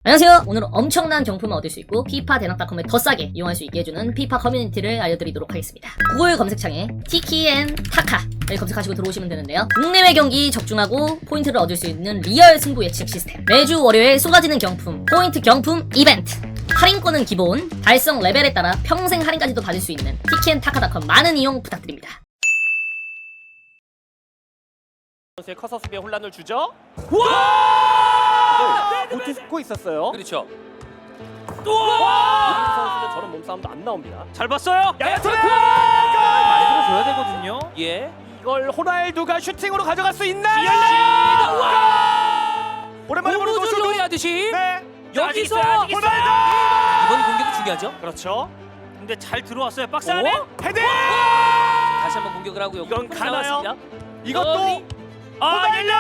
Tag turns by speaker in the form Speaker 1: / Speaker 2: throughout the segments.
Speaker 1: 안녕하세요. 오늘은 엄청난 경품을 얻을 수 있고 피파 대낙닷컴에 더 싸게 이용할 수 있게 해주는 피파 커뮤니티를 알려드리도록 하겠습니다. 구글 검색창에 티키앤 타카를 검색하시고 들어오시면 되는데요. 국내외 경기 적중하고 포인트를 얻을 수 있는 리얼 승부 예측 시스템, 매주 월요일 쏟아지는 경품, 포인트 경품 이벤트, 할인권은 기본, 달성 레벨에 따라 평생 할인까지도 받을 수 있는 티키앤타카닷컴 많은 이용 부탁드립니다.
Speaker 2: 선수의 커서 수비에 혼란을 주죠. 와! 못 듣고 있었어요.
Speaker 3: 그렇죠.
Speaker 2: 우리 선수는 저런 몸싸움도 안 나옵니다.
Speaker 4: 잘 봤어요.
Speaker 2: 야야토르!
Speaker 4: 만들어줘야 되거든요.
Speaker 3: 예.
Speaker 2: 이걸 호날두가 슈팅으로 가져갈 수 있나? 오랜만에 보는
Speaker 3: 고무줄
Speaker 2: 노쇼도.
Speaker 3: 놀이 하듯이
Speaker 2: 네.
Speaker 3: 여기서
Speaker 4: 아직 있어요.
Speaker 3: 이번 공격도 중요하죠.
Speaker 2: 그렇죠.
Speaker 4: 근데 잘 들어왔어요. 박스 안에.
Speaker 2: 헤드!
Speaker 3: 다시 한번 공격을 하고요.
Speaker 2: 이건
Speaker 3: 골이
Speaker 2: 가나요?
Speaker 3: 나왔습니다.
Speaker 2: 이것도
Speaker 4: 열려.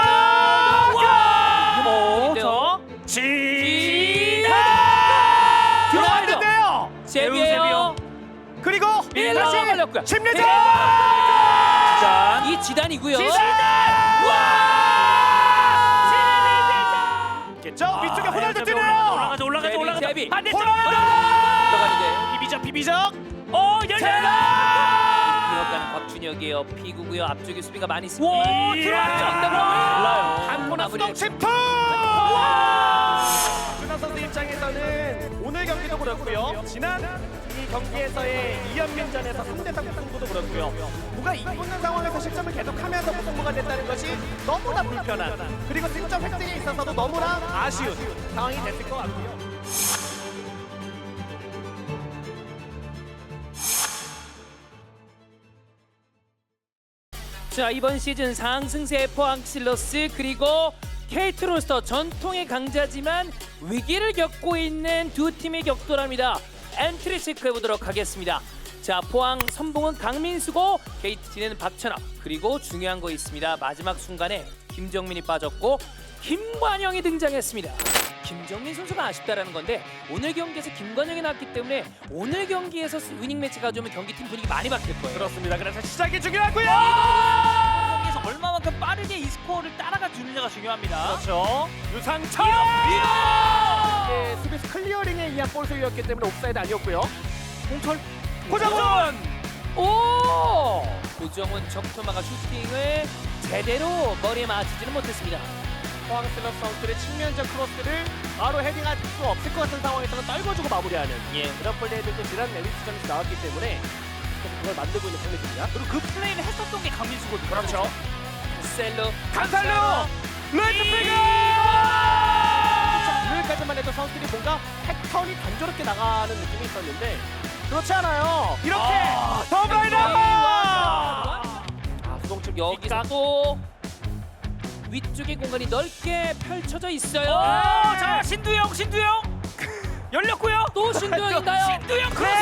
Speaker 3: 저
Speaker 4: 지다.
Speaker 2: 들어왔는데요.
Speaker 3: 세비에요.
Speaker 2: 그리고
Speaker 3: 밀러
Speaker 2: 다시
Speaker 3: 걸렸고요.
Speaker 2: 심리전.
Speaker 4: 자,
Speaker 3: 이 지단이고요.
Speaker 2: 겠죠? 위쪽에 호날두 뛰네요.
Speaker 4: 올라가죠.
Speaker 3: 세비.
Speaker 4: 반대쪽.
Speaker 3: 들어가는데
Speaker 2: 비비적.
Speaker 4: 열려.
Speaker 3: 이어가는 곽준혁이에요. 피구고요. 앞쪽에 수비가 많이 있습니다.
Speaker 4: 오, 들어왔죠.
Speaker 2: 한번에
Speaker 3: 마무리.
Speaker 2: 수동 침투! 준하 선수 입장에서는 오늘 경기도 그렇고요. 지난 이 경기에서의 이연민전에서 3대3 승부도 그렇고요. 누가 이기는 상황에서 실점을 계속하면서 무승부가 됐다는 것이 너무나 불편한, 그리고 승점 획득에 있어서도 너무나 아쉬운 상황이 됐을 것 같고요.
Speaker 3: 자, 이번 시즌 상승세 포항 실러스 그리고 KT 로스터 전통의 강자지만 위기를 겪고 있는 두 팀의 격돌합니다. 엔트리 체크해 보도록 하겠습니다. 자, 포항 선봉은 강민수고 KT는 박찬호, 그리고 중요한 거 있습니다. 마지막 순간에 김정민이 빠졌고 김관영이 등장했습니다. 김정민 선수가 아쉽다라는 건데 오늘 경기에서 김관영이 나왔기 때문에 오늘 경기에서 위닝 매치 가져오면 경기팀 분위기 많이 바뀔 거예요.
Speaker 2: 그렇습니다. 그래서 시작이 중요하고요.
Speaker 4: 경기에서 얼마만큼 빠르게 이 스코어를 따라가 주느냐가 중요합니다.
Speaker 2: 그렇죠. 유상철! 네, 수비수 클리어링에 의한 볼 소유였기 때문에 옵사이드 아니었고요.
Speaker 4: 홍철.
Speaker 2: 고정원!
Speaker 3: 오! 고정훈 적토마가 슈팅을 제대로 머리에 맞추지는 못했습니다.
Speaker 2: 포항 슬럽 선수들의 측면적 크로스를 바로 헤딩할 수 없을 것 같은 상황에서는 떨궈주고 마무리하는 그런 플레이들도 지난 레비스전에서 나왔기 때문에 그걸 만들고 있는 플레이입니다.
Speaker 4: 그리고 그 플레이를 했었던 게 강민수거든요.
Speaker 2: 그렇죠.
Speaker 3: 셀로
Speaker 2: 간살로! 레드 피그! 오늘까지만 해도 선수들이 뭔가 패턴이 단조롭게 나가는 느낌이 있었는데 그렇지 않아요. 이렇게 더블라인
Speaker 3: 아,
Speaker 2: 수동측
Speaker 3: 여기서 또 위쪽의 공간이 넓게 펼쳐져 있어요.
Speaker 4: 자, 신두영. 열렸고요.
Speaker 3: 또 신두영인가요?
Speaker 4: 신두영 크로스.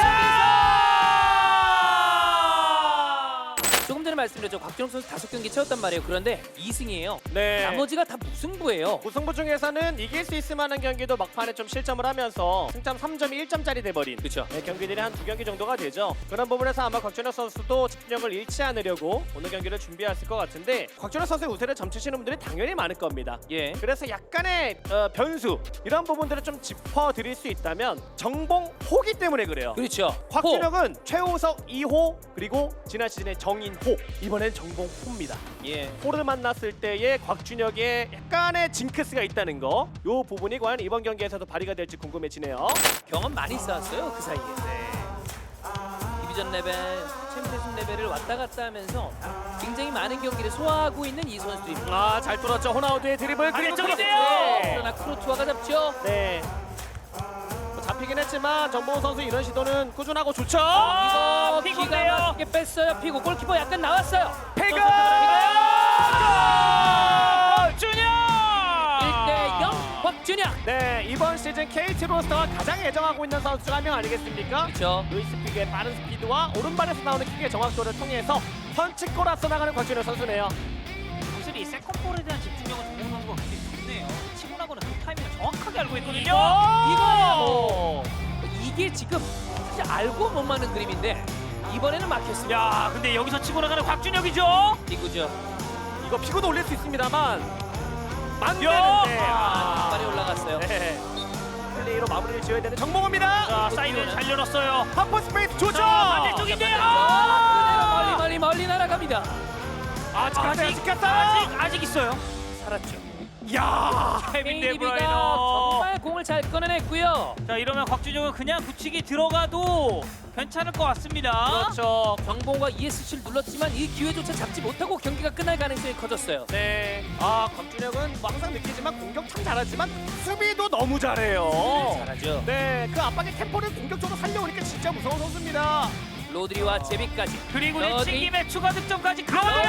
Speaker 3: 조금 전에 말씀드렸죠. 곽준혁 선수 5경기 채웠단 말이에요. 그런데 2승이에요.
Speaker 2: 네.
Speaker 3: 나머지가 다 무승부예요.
Speaker 2: 무승부 중에서는 이길 수 있을 만한 경기도 막판에 좀 실점을 하면서 승점 3점이 1점짜리 돼버린
Speaker 3: 그렇죠.
Speaker 2: 경기들이 한 2경기 정도가 되죠. 그런 부분에서 아마 곽준혁 선수도 집중력을 잃지 않으려고 오늘 경기를 준비했을 것 같은데 곽준혁 선수의 우세를 점치시는 분들이 당연히 많을 겁니다.
Speaker 3: 예.
Speaker 2: 그래서 약간의 변수 이런 부분들을 좀 짚어드릴 수 있다면 정봉 호기 때문에 그래요.
Speaker 3: 그렇죠.
Speaker 2: 곽준혁은 최우석 2호 그리고 지난 시즌의 정인호, 이번엔 정봉 호입니다.
Speaker 3: 예.
Speaker 2: 호를 만났을 때의 곽준혁의 약간의 징크스가 있다는 거, 요 부분이 과연 이번 경기에서도 발휘가 될지 궁금해지네요.
Speaker 3: 경험 많이 쌓았어요. 그 사이에. 디비전 레벨, 챔피언십 레벨을 왔다 갔다 하면서 굉장히 많은 경기를 소화하고 있는 이 선수입니다.
Speaker 2: 아, 잘 뚫었죠. 호나우드의 드리블 그리고
Speaker 4: 안쪽인데요.
Speaker 2: 크로스.
Speaker 3: 그러나 크로투아가 잡죠.
Speaker 2: 네. 뭐 잡히긴 했지만 정봉호 선수 이런 시도는 꾸준하고 좋죠.
Speaker 3: 이거
Speaker 4: 피고인데요.
Speaker 3: 기가 막히게 뺐어요. 피고 골키퍼 약간 나왔어요.
Speaker 2: 패가!
Speaker 4: 준영.
Speaker 3: 1대0 곽준혁.
Speaker 2: 네, 이번 시즌 KT 로스터가 가장 애정하고 있는 선수 중 한 명 아니겠습니까?
Speaker 3: 그렇죠.
Speaker 2: 루이스 픽의 빠른 스피드와 오른발에서 나오는 킥의 정확도를 통해서 선취골 앞서 나가는 곽준혁 선수네요.
Speaker 4: 확실히 세컨볼에 대한 집중력은 정봉 선수가 굉장히 좋네요. 치고 나고는 그 타이밍을 정확하게 알고 있거든요.
Speaker 3: 이거예요. 이게 지금 사실 알고 못 맞는 그림인데 이번에는 막혔습니다.
Speaker 4: 야, 근데 여기서 치고 나가는 곽준혁이죠.
Speaker 3: 이구죠.
Speaker 2: 이거 피고도 올릴 수 있습니다만
Speaker 4: 야!
Speaker 2: 만되는데
Speaker 3: 많이 올라갔어요.
Speaker 2: 네. 플레이로 마무리를 지어야 되는 정몽호입니다.
Speaker 4: 자, 사이드 잘 열었어요.
Speaker 2: 하프 스페이스 좋죠.
Speaker 4: 자, 반대쪽인데요.
Speaker 3: 멀리 날아갑니다.
Speaker 4: 아직 있어요.
Speaker 3: 살았죠.
Speaker 2: 야,
Speaker 4: 케빈
Speaker 3: KDB가
Speaker 4: 데브라이너.
Speaker 3: 정말 공을 잘 꺼내냈고요.
Speaker 4: 자, 이러면 곽준혁은 그냥 굳히기 들어가도 괜찮을 것 같습니다.
Speaker 3: 그렇죠. 정봉과 ESC를 눌렀지만 이 기회조차 잡지 못하고 경기가 끝날 가능성이 커졌어요.
Speaker 2: 네. 아, 곽준혁은 뭐 항상 느끼지만 공격 참 잘하지만 수비도 너무 잘해요.
Speaker 3: 잘하죠.
Speaker 2: 네, 그 압박의 템포를 공격적으로 살려오니까 진짜 무서운 선수입니다.
Speaker 3: 로드리와 제비까지.
Speaker 4: 그리고
Speaker 3: 로드리.
Speaker 4: 내치김에 추가 득점까지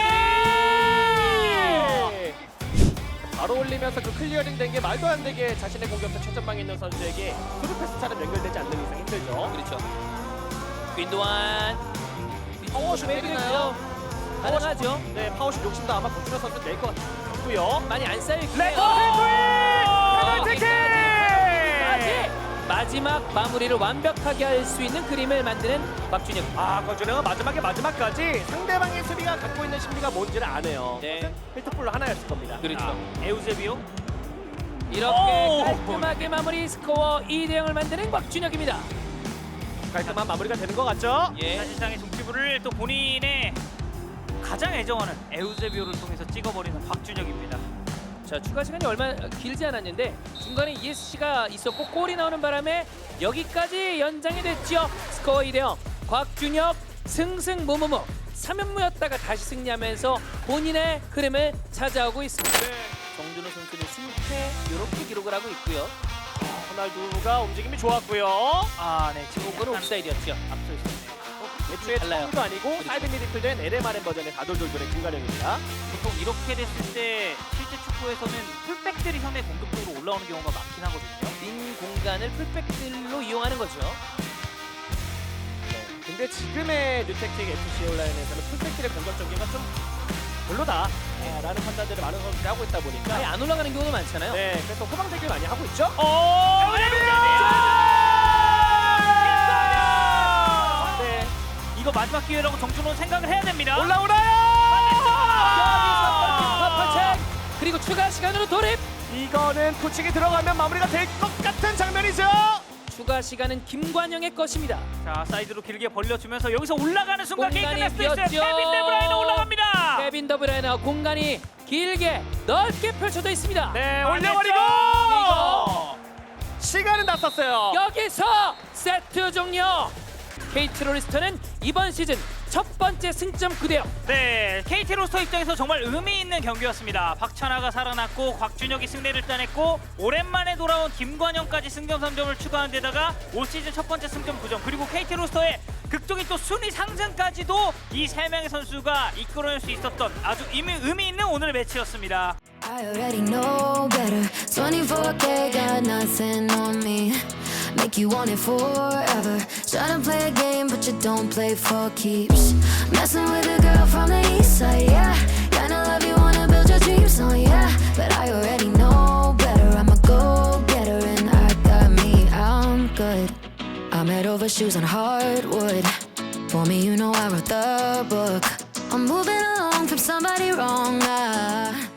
Speaker 2: 네. 바로 올리면서 그 클리어링 된 게 말도 안 되게 자신의 공격수 최전방에 있는 선수에게 스루 패스처럼 연결되지 않는 이상 힘들죠.
Speaker 3: 그렇죠. 윈도안.
Speaker 2: 파워슛 때리나요?
Speaker 3: 가능하죠.
Speaker 2: 네, 파워슛 욕심도 아마 곽준혁 선수 낼 것 같고요.
Speaker 3: 많이 안 쌓일
Speaker 2: 레터 페널티킥!
Speaker 3: 마지막 마무리를 완벽하게 할 수 있는 그림을 만드는 곽준혁.
Speaker 2: 아, 곽준혁은 마지막까지 상대방의 수비가 갖고 있는 심리가 뭔지를 아네요.
Speaker 3: 네.
Speaker 2: 필터풀로 하나였을 겁니다.
Speaker 3: 그렇죠.
Speaker 4: 에우제비오.
Speaker 3: 이렇게 깔끔하게 마무리 스코어 2대0을 만드는 곽준혁입니다.
Speaker 2: 깔끔한 마무리가 되는 것 같죠?
Speaker 3: 예.
Speaker 4: 사실상의 종치부를 또 본인의 가장 애정하는 에우제비오를 통해서 찍어버리는 곽준혁입니다.
Speaker 3: 자, 추가 시간이 얼마 길지 않았는데 중간에 ESC가 있었고 골이 나오는 바람에 여기까지 연장이 됐죠. 스코어 2대0. 곽준혁 승승무무무 3연무였다가 다시 승리하면서 본인의 흐름을 찾아오고 있습니다. 정준호 선수는 승패 이렇게 기록을 하고 있고요.
Speaker 2: 호날두가 움직임이 좋았고요.
Speaker 4: 아, 네. 지금
Speaker 3: 그거는
Speaker 4: 약간
Speaker 3: 옵사이드였죠.
Speaker 4: 앞서 있었네요.
Speaker 2: 애초에
Speaker 3: 달라요.
Speaker 2: 도 아니고
Speaker 3: 그렇죠.
Speaker 2: 사이드 미드필더인 LMRN 버전의 다돌돌돌의 김가령입니다.
Speaker 4: 보통 이렇게 됐을 때 실제 축구에서는 풀백들이 상대 공격적으로 올라오는 경우가 많긴 하거든요.
Speaker 3: 빈 공간을 풀백들로 이용하는 거죠.
Speaker 2: 근데 지금의 뉴택틱 FC 온라인에서는 풀백들의 공격적인 건 좀 별로다 라는 판단들을 많은 선수들이 하고 있다 보니까
Speaker 3: 아예 안 올라가는 경우가 많잖아요.
Speaker 2: 네, 그래서 후방대기를 많이 하고 있죠. 네,
Speaker 4: 이거 마지막 기회라고 정준호는 생각을 해야 됩니다.
Speaker 2: 올라오나요?
Speaker 3: 펀책 그리고 추가 시간으로 돌입.
Speaker 2: 이거는 코칭이 들어가면 마무리가 될 것 같은 장면이죠.
Speaker 3: 추가 시간은 김관영의 것입니다.
Speaker 4: 자, 사이드로 길게 벌려주면서 여기서 올라가는 순간 게임
Speaker 3: 공간이
Speaker 4: 끝낼 수도 있어요.
Speaker 3: 비었죠.
Speaker 4: 케빈 데브라이너 올라갑니다.
Speaker 3: 케빈 더브라이너 공간이 길게 넓게 펼쳐져 있습니다.
Speaker 2: 네,
Speaker 4: 아,
Speaker 2: 올려버리고
Speaker 3: 이거.
Speaker 2: 시간은 다 썼어요.
Speaker 3: 여기서 세트 종료. KT 로리스터는 이번 시즌 첫 번째 승점 9대0.
Speaker 4: 네, KT 로스터 입장에서 정말 의미 있는 경기였습니다. 박찬하가 살아났고 곽준혁이 승리를 따냈고 오랜만에 돌아온 김관영까지 승점 3점을 추가한 데다가 올 시즌 첫 번째 승점 9점 그리고 KT 로스터의 극적인 또 순위 상승까지도 이 세 명의 선수가 이끌어낼 수 있었던 아주 의미 있는 오늘의 매치였습니다.
Speaker 5: I already know better. 24K got nothing on me. Make you want it forever. Tryna play a game, but you don't play for keeps. Messing with a girl from the east side, yeah. Kinda love you, wanna build your dreams on, yeah. But I already know better. I'm a go-getter, and I got me. I'm good. I'm head over shoes on hardwood. For me, you know I wrote the book. I'm moving along from somebody wrong.